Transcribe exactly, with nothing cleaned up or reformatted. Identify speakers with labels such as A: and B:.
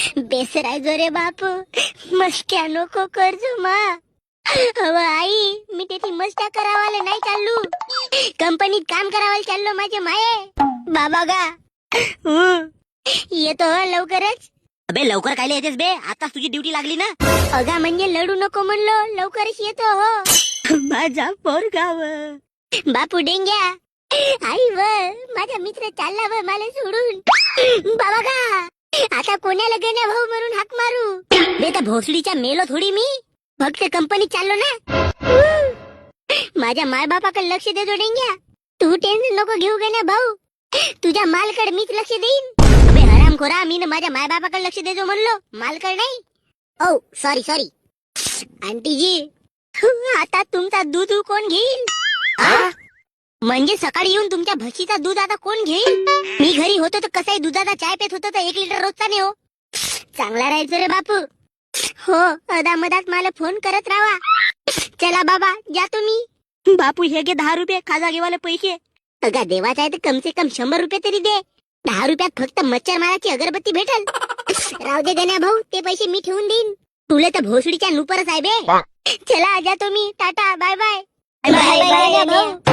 A: बेसरायचो रे बापू. मस्त्या नको करजो मा. अव आई, मी त्याची मस्त्या करावाले नाही चाललो. कंपनीत काम करावाले चाललो माझे माये. बाबा गा हं. येतो हो लवकरच.
B: अबे लवकर कायले येतेस बे? आताच तुझी ड्युटी लागली ना.
A: अगा म्हणजे लढू नको म्हणलो, लवकरच येतो हो.
B: माझा पोरगाव.
A: बापू डेंग्या. आई व माझा मित्र चालला व मला सोडून. बाबा का आता कोणाला गण्या भाऊ म्हणून हाक मारू? बेटा भोसडीच्या मेलो थोडी मी. फक्त कंपनीत चाललो ना. माझ्या माय बापाकडे लक्ष देतो डेंग्या. तू टेन्शन नको घेऊ गण्या भाऊ. तुझ्या मालकडे मीच लक्ष देईन. अबे हरामखोरा, मी माझ्या माय बापाकडे लक्ष देतो म्हणलो, मालकडे नाही. ओ सॉरी सॉरी आंटीजी. आता तुमचा दूध कोण घेईल? हा? म्हणजे सकाळी येऊन तुमच्या म्हशीचा दूध आता कोण घेईल? मी घरी होतो तर कसाही दुधाचा चाय पेत होतो तर एक लिटर रोजचा नाही हो. चांगला राहायचं रे बापू. हो अदामदात मला फोन करत राहा. चला बाबा जातो मी.
B: बापू हे घे दहा रुपये, खाजा घेवाले पैसे.
A: अगा देवाचा आहे तर कम से कम शंभर रुपये तरी दे. दहा रुपयात फक्त मच्छर माराची अगरबत्ती भेटल. राहू दे गण्या भाऊ, ते पैसे मी ठेवून देईन. तुला तर भोसडीच्या नुपरच आहे बे. चला जातो मी. Tata bye bye.
B: Bye bye
A: भाऊ.